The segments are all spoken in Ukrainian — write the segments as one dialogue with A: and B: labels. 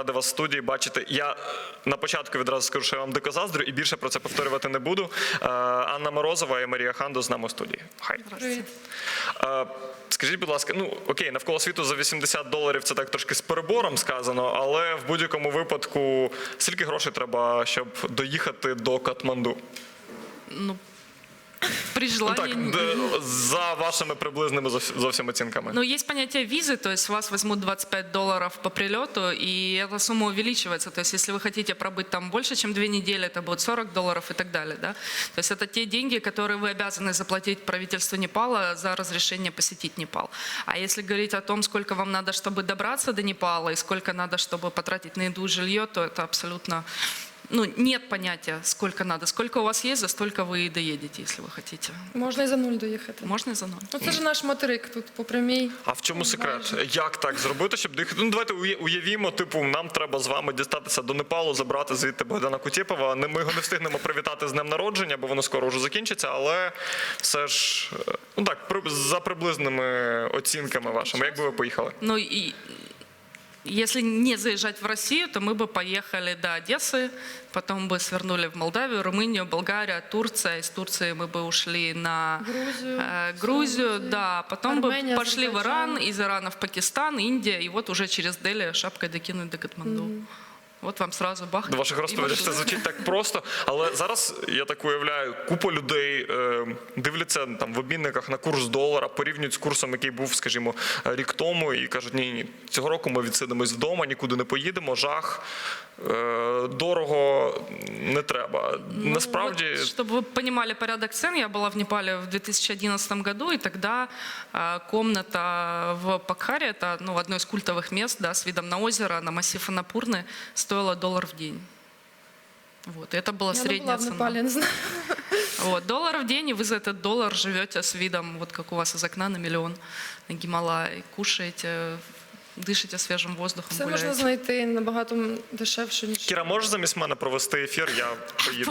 A: радий вас в студії бачити. Я на початку відразу скажу, що я вам дико заздрю і більше про це повторювати не буду. Анна Морозова і Марія Хандо з нами в студії. Хай.
B: Привіт.
A: Скажіть, будь ласка, ну окей, навколо світу за $80 це так трошки з перебором сказано, але в будь-якому випадку скільки грошей треба, щоб доїхати до Катманду?
B: Ну, при желании...
A: Ну, так, за вашими приблизними зовсім оцінками.
B: Ну, есть понятие визы, то есть вас возьмут $25 по прилету, и эта сумма увеличивается. То есть если вы хотите пробыть там больше, чем 2 недели, это будет $40 и так далее. Да? То есть это те деньги, которые вы обязаны заплатить правительству Непала за разрешение посетить Непал. А если говорить о том, сколько вам надо, чтобы добраться до Непала, и сколько надо, чтобы потратить на еду и жилье, то это абсолютно... Ну, нет понятия, сколько надо. Сколько у вас есть, за столько вы и доедете, если вы хотите.
C: Можна і за нуль доїхати.
B: Можно и за 0.
C: Ну це ж наш материк тут по прямій.
A: А в чому секрет? Як так зробити, щоб доїхати? Ну, давайте уявімо, типу, нам треба з вами дістатися до Непалу, забрати звідти Богдана Кутєпова. Ми його не встигнемо привітати з днем народження, бо воно скоро вже закінчиться, але все ж, ну так, за приблизними оцінками вашими, як би ви поїхали?
B: Ну и если не заезжать в Россию, то мы бы поехали до Одессы, потом бы свернули в Молдавию, Румынию, Болгарию, Турция. Из Турции мы бы ушли на Грузию, да, потом
C: Армения,
B: бы пошли в Иран,
C: Азербайджан.
B: из Ирана в Пакистан, Индия, и вот уже через Дели шапкой докинуть до Катманду. Вот вам сразу бах.
A: До ваших розповідей це звучить так просто, але зараз, я так уявляю, купа людей дивляться там в обмінниках на курс долара, порівнюють з курсом, який був, скажімо, рік тому, і кажуть, ні, цього року ми відсидимось вдома, нікуди не поїдемо, жах, дорого, не треба. Насправді...
B: Вот, чтобы вы понимали порядок цен, я была в Непале в 2011 году, и тогда комната в Покхаре, это ну, одно из культовых мест, да, с видом на озеро, на массив Аннапурны, стоила $1 в день. Вот, и это была
C: Я не
B: средняя
C: була в
B: цена.
C: Непалі, не знаю.
B: Вот, $1 в день, и вы за этот $1 живете с видом, вот как у вас из окна на миллион, на Гималай, кушаете, дышите свежим воздухом,
C: Це
B: гуляете.
C: можна знайти набагато дешевше, ніж...
A: Кіра, можеш замість мене провести ефір, я поїду.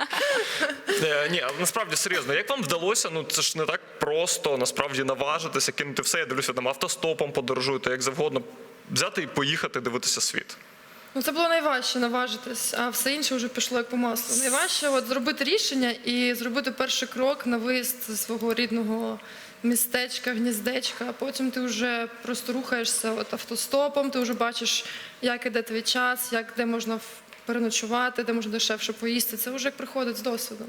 A: Ні, а насправді серйозно, як вам вдалося, ну це ж не так просто, насправді наважитися, кинути все, я дивлюся, там автостопом подорожуєте, як завгодно, взяти і поїхати дивитися світ.
C: Ну це було найважче наважитись, а все інше вже пішло як по маслу. Найважче от зробити рішення і зробити перший крок на виїзд зі свого рідного містечка, гніздечка, а потім ти вже просто рухаєшся от автостопом, ти вже бачиш, як іде твій час, де можна переночувати, де можна дешевше поїсти. Це вже як приходить з досвідом.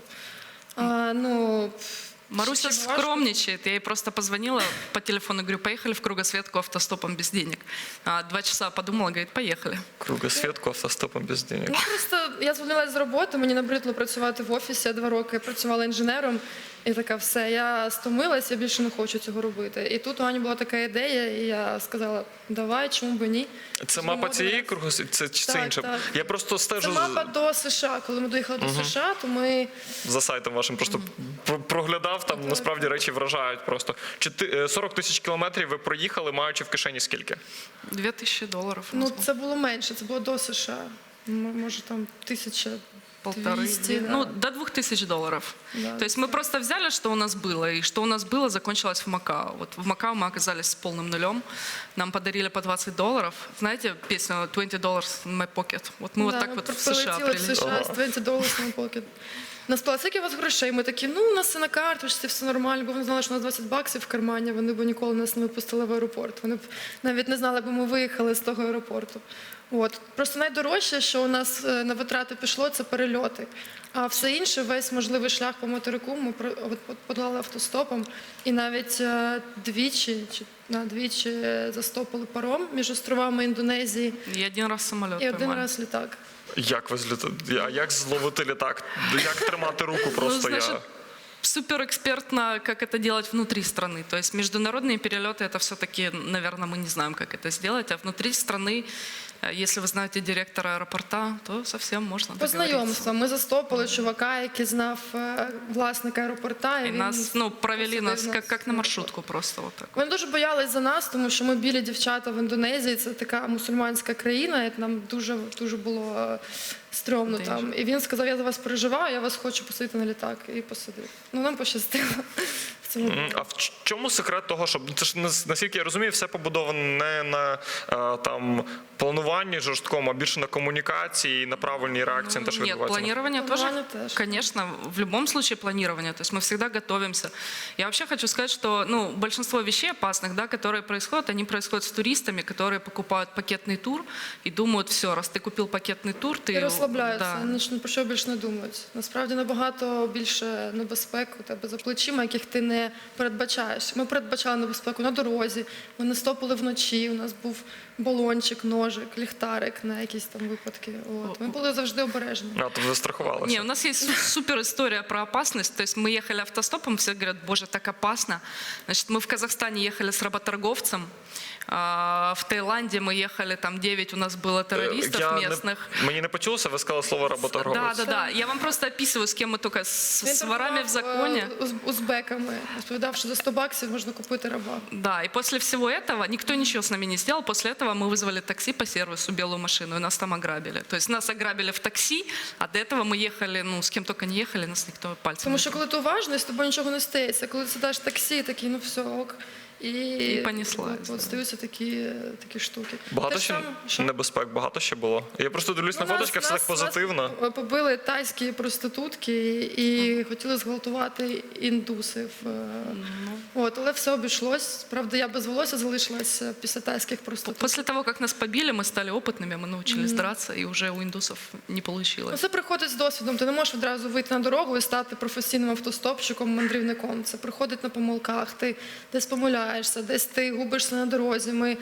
B: Маруся
C: Ще важко.
B: скромничает. Я ей просто позвонила по телефону, говорю, поехали в кругосветку автостопом без денег. 2 часа подумала, говорит, поехали.
A: Кругосвітку автостопом без денег.
C: Ну, просто я звільнилася з роботи, мені набридло працювати в офісі, я 2 роки працювала інженером, і така все, я стомилась, я більше не хочу цього робити. І тут у Ані була така ідея, і я сказала, давай, чому б і ні.
A: Це мапа цієї кругосвітки, це
C: Так,
A: інше?
C: так.
A: Я просто
C: Це
A: стежу
C: мапа до США. Коли ми доїхали до США, то ми...
A: за сайтом вашим, просто проглядав, там насправді речі вражають просто. 40 тисяч кілометрів ви проїхали, маючи в кишені скільки?
B: $2000.
C: Ну, це було менше, це було до США. Може, там 1200. Да.
B: Ну, до $2000.
C: Да,
B: То есть мы просто взяли, что у нас было, и что у нас было, закончилось в Макао. Вот в Макао мы оказались с полным нулем, нам подарили по $20. Знаете песню $20 in my pocket? Вот мы вот так вот в США
C: прилетіли в США
B: прилетели.
C: з $20 на покет. Нас спитали, скільки у вас грошей? Ми такі, ну, у нас все на карточці, все нормально, бо вони знали, що у нас $20 в кармані, вони б ніколи нас не випустили в аеропорт. Вони б навіть не знали, бо ми виїхали з того аеропорту. От. Просто найдорожче, що у нас на витрати пішло, це перельоти. А все інше, весь можливий шлях по материку ми подолали автостопом. І навіть двічі застопили паром між островами Індонезії.
B: И 1 раз самолет
C: І один
B: поймали.
C: раз літак.
A: Як ви злітати? А як зловити літак? Як тримати руку просто
B: Ну,
A: я?
B: значит, суперэкспертно, как это делать внутри страны. То есть международные перелеты, это все-таки, наверное, мы не знаем, как это сделать. А внутри страны, если вы знаете директора аэропорта, то совсем можно
C: По
B: договориться.
C: знайомству. Ми застопили чувака, який знав власника аеропорта.
B: И
C: він
B: нас, провели
C: посадив
B: нас как на маршрутку просто вот так.
C: Вони дуже боялись за нас, тому що ми білі дівчата в Індонезії, це така мусульманська країна, і нам дуже було стрьомно там. І він сказав, я за вас переживаю, я вас хочу посадити на літак. І посадив. Ну, нам пощастило в цьому.
A: А чому секрет того, щоб це ж наскільки я розумію, все побудовано не на там плануванні жорсткому, а більше на комунікації, на правильній реакції на те, що
B: Нет,
A: відбувається?
B: планирование
C: Планирование
B: тоже,
C: тоже.
B: конечно, в любом случае планирование. То есть мы всегда готовимся. Я вообще хочу сказать, что большинство вещей опасных, да, которые происходят, они происходят с туристами, которые покупают пакетный тур и думают, все, раз ты купил пакетный тур, ты...
C: І розслабляються,
B: Да.
C: ні про що більше не думають. Насправді набагато більше небезпек у тебе за плечима, яких ти не передбачаєш. Ми передбачали небезпеку на дорозі, ми не стопили вночі, у нас був балончик, ножик, ліхтарик на якісь там випадки. От. Ми були завжди обережні.
A: А, то ви страхувалися.
B: Не, у нас есть супер история про опасность. То есть мы ехали автостопом, все говорят, боже, так опасно. Значит, мы в Казахстане ехали с работорговцем. В Таиланде мы ехали, там 9 у нас было террористов местных.
A: Мені не почулося, ви сказали слово работорговець.
B: Да. Я вам просто описываю, с кем мы только с
C: Він
B: ворами в законе.
C: торгував, узбеками, розповідав, що за 100 баксів можна купити раба.
B: Да, и после всего этого никто ничего с нами не сделал. После этого мы вызвали такси по сервису, белую машину, и нас там ограбили. То есть нас ограбили в такси, а до этого мы ехали, с кем только не ехали, нас никто пальцем
C: Тому
B: не
C: що коли ти уважний, з тобою нічого не стається. Коли ти сідаєш в таксі, такий, ну все, ок. І
B: понеслась,
C: от стаються такі штуки.
A: Багато
C: Те ж
A: ще
C: саме, що?
A: небезпек, багато ще було. Я просто дивлюсь на фоточках, все так позитивно.
C: Нас побили тайські проститутки і хотіли зґвалтувати індусів. От, але все обійшлось. Правда, я без волосся залишилась після тайських проституток.
B: После того, как нас побили, мы стали опытными, мы научились драться, и уже у индусов не
C: Ну,
B: получилось.
C: це приходить з досвідом. Ти не можеш відразу вийти на дорогу і стати професійним автостопщиком, мандрівником. Це приходить на помилках, ти десь помиляєшся, десь ти губишся на дорозі. Ми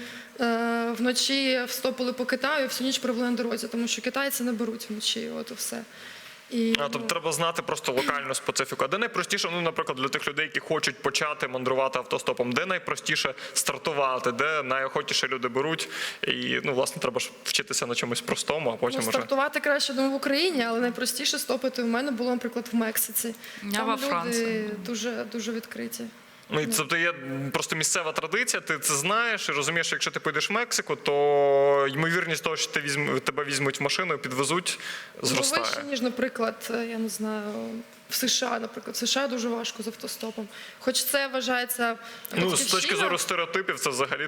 C: вночі встопили по Китаю і всю ніч провели на дорозі, тому що китайці не беруть вночі, от і все. І,
A: Тобто треба знати просто локальну специфіку. А де найпростіше, наприклад, для тих людей, які хочуть почати мандрувати автостопом, де найпростіше стартувати, де найохотіше люди беруть, і власне треба ж вчитися на чомусь простому, а потім
C: Ну,
A: уже.
C: стартувати краще, думаю, в Україні, але найпростіше стопити у мене було, наприклад, в Мексиці.
B: Я
C: Там
B: во
C: люди
B: Франції.
C: дуже, дуже відкриті.
A: І тобто є просто місцева традиція, ти це знаєш і розумієш, що якщо ти поїдеш в Мексику, то ймовірність того, що тебе візьмуть в машину і підвезуть, зростає.
C: Вище, ніж, наприклад, я не знаю, в США, наприклад. В США дуже важко з автостопом. Хоч це вважається
A: З точки
C: батьківщина,
A: зору стереотипів, це взагалі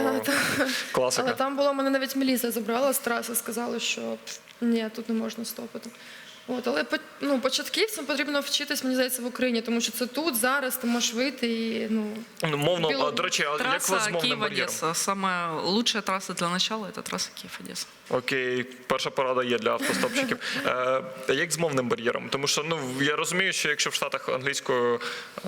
A: класика.
C: але там було, мене навіть міліція забрала з траси, сказали, що ні, тут не можна стопити. От, але початківцям потрібно вчитись, мені здається, в Україні, тому що це тут, зараз ти можеш вийти і
A: Мовно, до речі, а як ви з
B: Трасса
A: мовним бар'єром?
B: Киев-Одесса. Самая лучшая трасса для начала – это трасса Киев-Одесса.
A: Окей, перша порада є для автостопщиків. Як з мовним бар'єром? Тому що я розумію, що якщо в Штатах англійською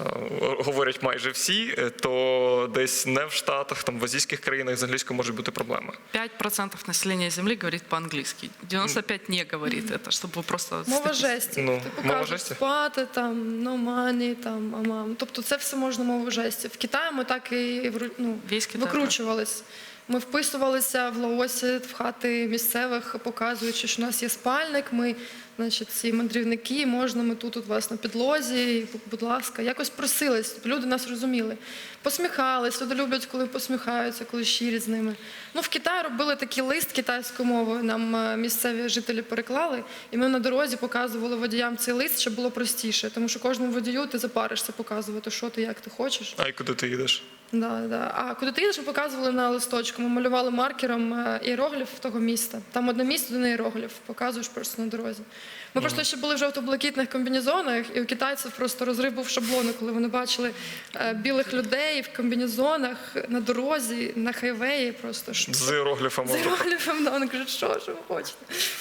A: говорять майже всі, то десь не в Штатах, там в азійських країнах з англійською можуть бути проблеми.
B: 5% населения Земли говорит по-английски. 95% не говорит это, чтобы вы просто...
C: мова жестів.
A: Ну,
C: Типу
A: мова
C: кажуть,
A: жестів?
C: спати, там, no money, там, амам. Тобто це все можна мовою жестів. В Китаї ми так і
B: Весь Китай,
C: викручувались. Ми вписувалися в Лаосі, в хати місцевих, показуючи, що у нас є спальник, ми, значить, ці мандрівники, можна, ми тут у вас на підлозі, будь ласка. Якось просились, щоб люди нас розуміли. Посміхались, люди люблять, коли посміхаються, коли щирі з ними. В Китаї робили такий лист китайською мовою, нам місцеві жителі переклали, і ми на дорозі показували водіям цей лист, щоб було простіше, тому що кожному водію ти запаришся показувати, що ти, як ти хочеш.
A: А й куди ти їдеш?
C: Да. А куди ти їдеш, ми показували на листочку. Ми малювали маркером іерогліф того міста. Там одне місто, один іерогліф. Показуєш просто на дорозі. Ми просто ще були в жовто-блакитних комбінезонах, і у китайців просто розрив був шаблони, коли вони бачили білих людей в комбінезонах на дорозі, на хайвеї. Просто
A: З іерогліфами.
C: з іерогліфом. Да, вони кажуть, що ви хочете?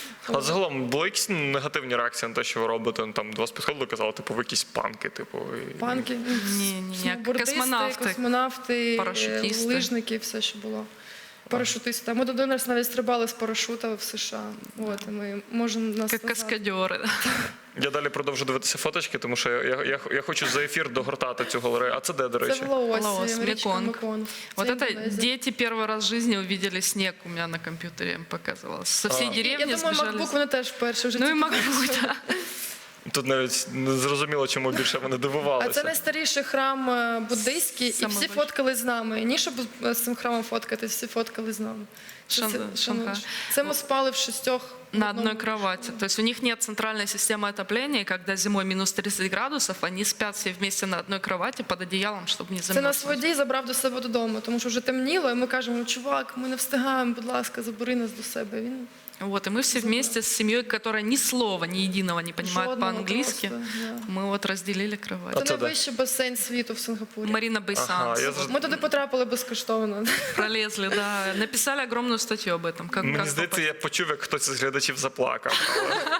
A: А загалом були якісь негативні реакції на те, що ви робите? Там до вас підходили і казали, ви якісь панки,
C: Панки,
B: Не-не-не,
C: сноубордисти,
B: космонавти.
C: космонавти,
B: Парашутисти.
C: лижники, все, що було. Парашутисти. Ми до нас навіть стрибали з парашута в США. От, і ми можемо нас
B: Как
C: назвати.
B: каскадеры.
A: Я далі продовжу дивитися фоточки, тому що я хочу за ефір догортати цю галерею. А це де, до
C: Це
A: речі?
C: в Лаосі,
B: Лаос,
C: річка
B: Меконг.
C: Меконг.
B: Вот
C: Це
B: это
C: Індонезія.
B: дети первый раз в жизни увидели снег у меня на компьютере, им показывалось. Со всей
C: Я
B: деревни
C: думаю,
B: сбежали.
C: MacBook вони теж вперше вже
B: Ну и MacBook, да.
A: Тут навіть не зрозуміло, чому більше вони
C: А
A: дивувалися.
C: це найстаріший храм буддийський, і
B: Самий
C: всі
B: більший.
C: фоткали з нами. І ні, щоб з цим храмом фоткатись, всі фоткали з нами.
B: Шанхай.
C: Це ми спали в 6
B: На одной кровати. То есть у них нет центральной системы отопления, и когда зимой минус 30 градусов, они спят все вместе на одной кровати под одеялом, чтобы не
C: Це
B: замерзнуть.
C: нас водій забрав до себе додому, тому що вже темніло, і ми кажемо, чувак, ми не встигаємо, будь ласка, забери нас до себе. Він
B: Вот, и мы все вместе с семьей, которая ни слова, ни единого не понимает
C: жодного
B: по-английски,
C: просто, да.
B: мы вот разделили кровать.
C: Це
A: це де?
C: найвищий басейн світу в Сингапурі.
B: Марина Бейсан.
A: Ага, я
C: Ми туди потрапили безкоштовно.
B: Пролезли, да. Написали огромную статью об этом. Как,
A: Мені
B: как
A: здається, я почув, як хтось із глядачів заплакав. Але...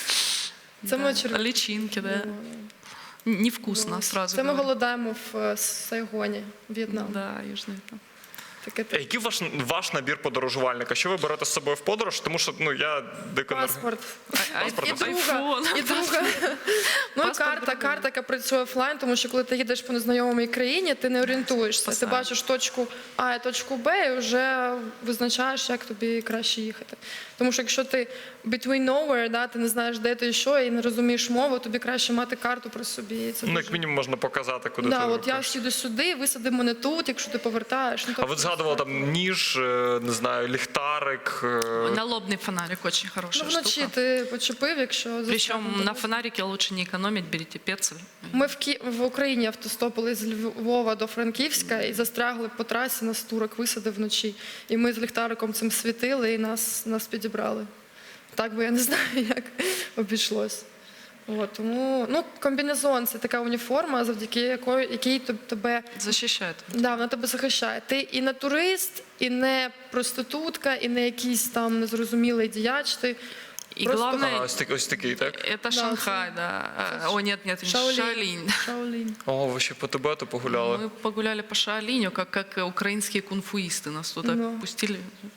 C: Це ми
B: попасть. Личинки, да. Невкусно, сразу
C: Це ми
B: говорю.
C: голодаємо в Сайгоні, В'єтнам.
B: Да, Южный Вьетнам.
C: Таке
A: Який ваш набір подорожувальника? Що ви берете з собою в подорож? Тому що я дико не...
C: паспорт.
A: Паспорт,
C: І друга,
B: iPhone.
C: і друга. Ну і
B: Паспорт
C: карта, яка працює офлайн, тому що коли ти їдеш по незнайомій країні, ти не орієнтуєшся. Ти
B: Спасає.
C: бачиш точку А і точку Б і вже визначаєш, як тобі краще їхати. Тому що якщо ти between nowhere, да, ти не знаєш, де ти і що, і не розумієш мову, тобі краще мати карту при собі. І це
A: Ну,
C: дуже...
A: як мінімум, можна показати, куди ти
C: Да, от я
A: рухаєшся.
C: сіду сюди, висади мене тут, якщо ти повертаєш. Ну,
A: А ви
C: тобто,
A: згадували там ніж, не знаю, ліхтарик.
B: Налобный фонарик очень хорошая
C: Ну, вночі
B: штука.
C: ти почепив, якщо
B: Причем
C: застрягнуто.
B: на фонарике лучше не экономить, берите пецель.
C: Ми в Україні автостопили з Львова до Франківська і застрягли по трасі, нас турок висадив вночі. І ми з ліхтариком цим світили, і нас підібрали. Так би я не знаю, як обійшлось. От, тому комбінезон це така уніформа, завдяки якій тебе
B: Защищает.
C: да, вона тебе захищає. Ти і не турист, і не проститутка, і не якийсь там незрозумілий діяч. Ти
B: И
C: просто
B: главное,
A: Ось такий, так?
B: это Шанхай, да. О, нет, Шаолинь.
C: Шаолінь.
A: О, ви ще по Тибету погуляли.
B: Мы погуляли по Шаолиню, как украинские кунфуисты нас туда
C: Ну.
B: пустили.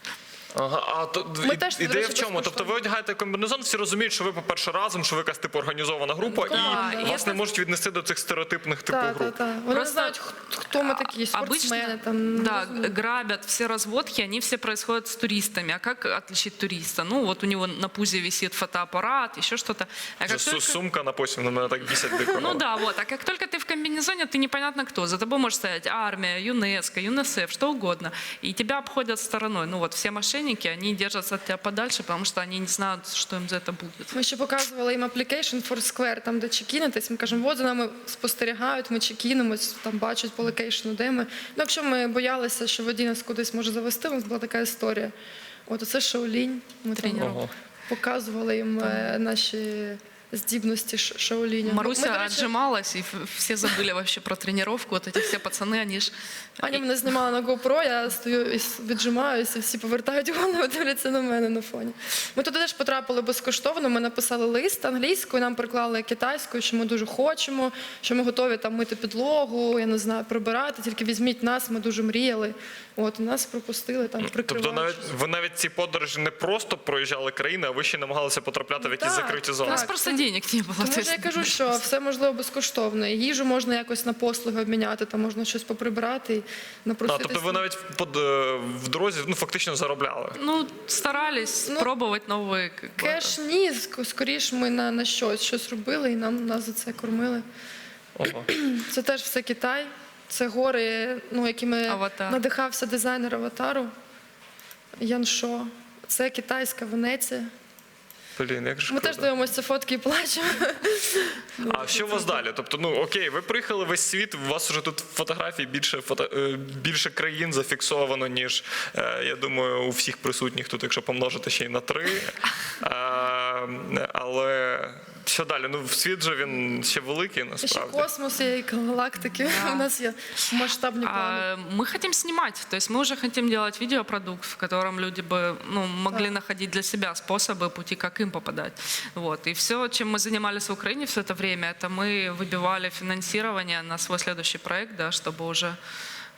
A: Ага, а то
C: Ми теж, до
A: ідея
C: речі,
A: в чому? Тобто
C: безкоштовно.
A: ви одягаєте комбінезон, всі розуміють, що ви, по-перше, разом, що ви якась типу організована група,
C: Да,
A: і
C: і
A: вас
B: це-
A: не можуть віднести до цих стереотипних типу
C: Так,
A: груп.
C: так, так. Вони не
B: Просто
C: знають, хто ми такі, спортсмени. Там, не
B: да,
C: розуміють.
B: грабят все разводки, они все происходят с туристами. А как отличить туриста? Ну, вот у него на пузе висит фотоаппарат, еще что-то. А как только-
A: Сумка на посім, на мене так бісять дико.
B: Ну да, вот. А как только ты в комбинезоне, ты непонятно кто. За тобой может стоять армия, ЮНЕСКО, ЮНИСЕФ, что угодно. И тебя обходят стороной. Ну вот все мошенники, они держатся от тебя подальше, потому что они не знают, что им за это будет.
C: Ми ще показували їм application Foursquare, там, де чекінитись. Ми кажемо, от за нами спостерігають, ми чекінимось, там бачать по локейшну, де ми. Ну, якщо ми боялися, що водій нас кудись може завести, у нас була така історія. От оце Шаолінь. Ми там
B: Тренер.
A: Ого.
C: показували їм наші здібності Шаоліня.
B: Маруся
C: Ми, до речі,
B: отжималась, и все забыли вообще про тренировку. Вот эти все пацаны, они ж...
C: Аня мене знімала на GoPro, я стою і віджимаюся, і всі повертають голову, дивляться на мене на фоні. Ми туди теж потрапили безкоштовно, ми написали лист англійською, нам приклали китайською, що ми дуже хочемо, що ми готові там мити підлогу, я не знаю, прибирати, тільки візьміть нас, ми дуже мріяли. От, і нас пропустили там,
A: Тобто
C: прикриваючи.
A: ви навіть ці подорожі не просто проїжджали країни, а ви ще намагалися потрапляти в якісь
C: Так,
A: закриті зони.
B: У нас
C: Так,
B: просто денег не было.
C: Тому
B: то
C: ж я
B: есть-
C: кажу, що все можливо безкоштовно. І їжу можна якось на послуги обміняти, там можна щось поприбирати і
A: А,
C: напроситись.
A: тобто ви навіть в дорозі фактично заробляли.
B: Ну, старались
C: Ну,
B: пробовать новые... как бы,
C: Кеш ні, скоріш ми на щось робили і нас за це кормили.
A: Ого.
C: Це теж все Китай. Це гори, якими
B: Аватар.
C: надихався дизайнер аватару Ян Шо. Це китайська Венеція.
A: Блін, як же
C: Ми
A: круто.
C: теж дивимося ці фотки і плачемо.
A: А що у вас далі? Тобто, окей, ви приїхали весь світ, у вас вже тут фотографій більше країн зафіксовано, ніж, я думаю, у всіх присутніх тут, якщо помножити ще й на 3. Але що далі? Ну, світ же він ще великий,
C: І ще
A: насправді.
C: космос є, і галактики. У нас є масштабні плани.
B: Мы хотим снимать, то есть мы уже хотим делать видеопродукт, в котором люди бы могли находить для себя способы, пути, как им попадать. Вот. И все, чем мы занимались в Украине все это время, это мы выбивали финансирование на свой следующий проект, да, чтобы уже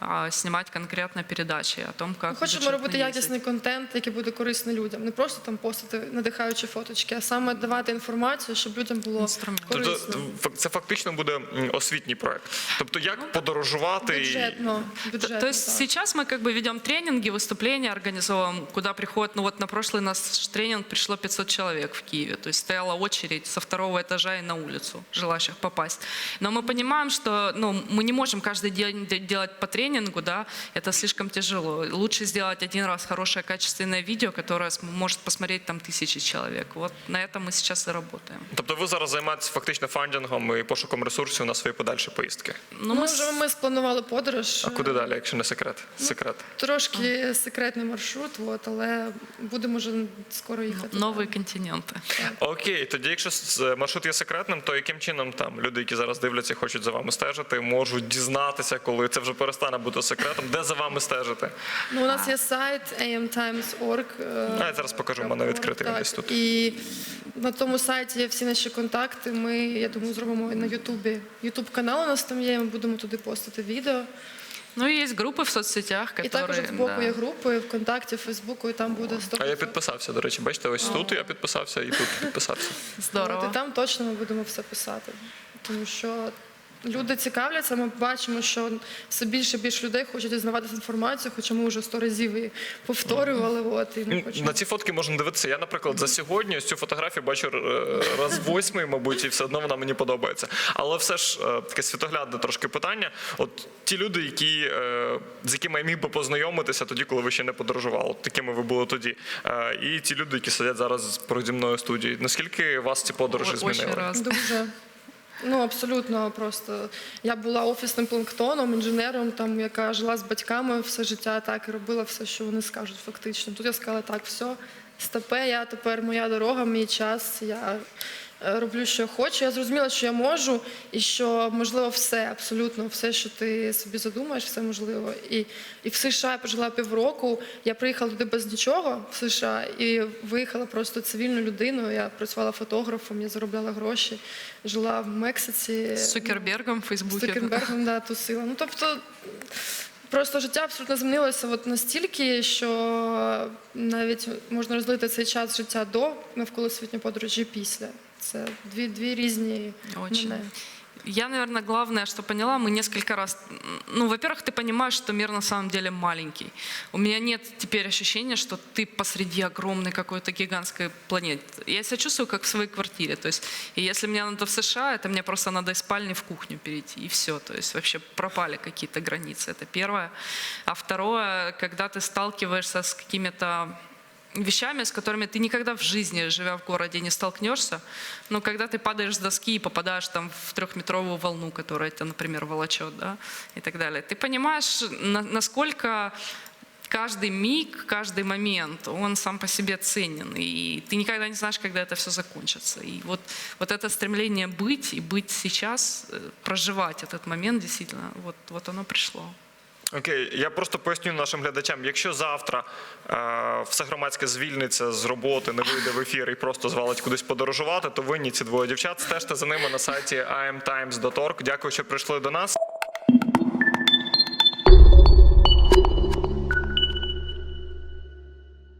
B: а снимать конкретно передачи о том, как
C: Ми хочемо
B: бюджетно
C: робити
B: ездить.
C: якісний контент, який буде корисний людям. Не просто там постити надихаючі фоточки, а саме давати інформацію, щоб людям було
B: Інструмент.
C: корисно.
A: Тобто це фактично буде освітній проект. Тобто як подорожувати.
C: Бюджетно,
B: То есть
C: так.
B: сейчас мы как бы ведем тренинги, выступления организовываем, куда приходят, ну вот на прошлый наш тренинг пришло 500 человек в Киеве, то есть стояла очередь со 2-го этажа и на улицу желающих попасть. Но мы понимаем, что ну, мы не можем каждый день делать по тренингу, да, это слишком тяжело. Лучше сделать один раз хорошее качественное видео, которое может посмотреть там 1000 человек. Вот на этом мы сейчас и работаем.
A: Тобто ви зараз займаєтесь фактично фандингом і пошуком ресурсів на свої подальші поїздки.
B: Ну,
C: Ну,
B: мы
C: вже ми спланували подорож.
A: А куди далі, якщо не секрет? Секрет.
C: Трошки секретний маршрут, от, але будемо вже скоро їхати.
B: новые континенты.
A: Окей, тоді якщо маршрут є секретним, то яким чином там люди, які зараз дивляться і хочуть за вами стежити, можуть дізнатися, коли це вже перестане бути секретом, де за вами стежити?
C: Ну, у нас є сайт amtimes.org.
A: Я зараз покажу, в мене відкритий він
C: Так,
A: десь тут.
C: І на тому сайті є всі наші контакти. Ми, я думаю, зробимо і на Ютубі. Ютуб канал у нас там є, ми будемо туди постити відео.
B: Ну и есть группы в соцсетях, которые...
C: І також збоку
B: да.
C: є групи ВКонтакті, Фейсбуку, і там буде 100%.
A: А я підписався, до речі, бачите, ось тут я підписався і тут підписався.
B: Здорово.
C: От, і там точно ми будемо все писати. Тому що люди цікавляться, ми бачимо, що все більше і більше людей хочуть дізнаватися інформацію, хоча ми вже 100 разів її повторювали. От, і ми хочемо.
A: На ці фотки можна дивитися. Я, наприклад, за сьогодні ось цю фотографію бачу раз 8, мабуть, і все одно вона мені подобається. Але все ж таке світоглядне трошки питання. От ті люди, з якими я міг би познайомитися тоді, коли ви ще не подорожували, от такими ви були тоді. І ті люди, які сидять зараз переді мною в студії. Наскільки вас ці подорожі
B: Очень
A: змінили?
B: раз.
C: Дуже. Ну, абсолютно просто. Я була офісним планктоном, інженером, там, яка жила з батьками все життя, так, і робила все, що вони скажуть фактично. Тут я сказала, так, все, стопе, я тепер моя дорога, мій час, я роблю, що хочу. Я зрозуміла, що я можу, і що можливо все, абсолютно все, що ти собі задумаєш, все можливо. І в США я прожила півроку, я приїхала туди без нічого в США і виїхала просто цивільною людиною. Я працювала фотографом, я заробляла гроші, жила в Мексиці.
B: С Цукербергом в
C: З
B: Фейсбуке.
C: Цукербергом, да, тусила. Ну, тобто, просто життя абсолютно змінилося от настільки, що навіть можна розділити цей час життя до навколосвітньої подорожі і після. Це дві різні
B: Очень.
C: мене.
B: Я, наверное, главное, что поняла, мы несколько раз... Ну, во-первых, ты понимаешь, что мир на самом деле маленький. У меня нет теперь ощущения, что ты посреди огромной какой-то гигантской планеты. Я себя чувствую, как в своей квартире. То есть, и если мне надо в США, это мне просто надо из спальни в кухню перейти, и все. То есть вообще пропали какие-то границы. Это первое. А второе, когда ты сталкиваешься с какими-то вещами, с которыми ты никогда в жизни, живя в городе, не столкнешься. Но когда ты падаешь с доски и попадаешь там в 3-метровую волну, которая тебя, например, волочет, да, и так далее, ты понимаешь, насколько каждый миг, каждый момент, он сам по себе ценен. И ты никогда не знаешь, когда это все закончится. И вот это стремление быть и быть сейчас, проживать этот момент, действительно, вот оно пришло.
A: Окей, я просто поясню нашим глядачам, якщо завтра все громадське звільниться з роботи, не вийде в ефір і просто звалить кудись подорожувати, то винні ці двоє дівчат. Стежте за ними на сайті amtimes.org. Дякую, що прийшли до нас.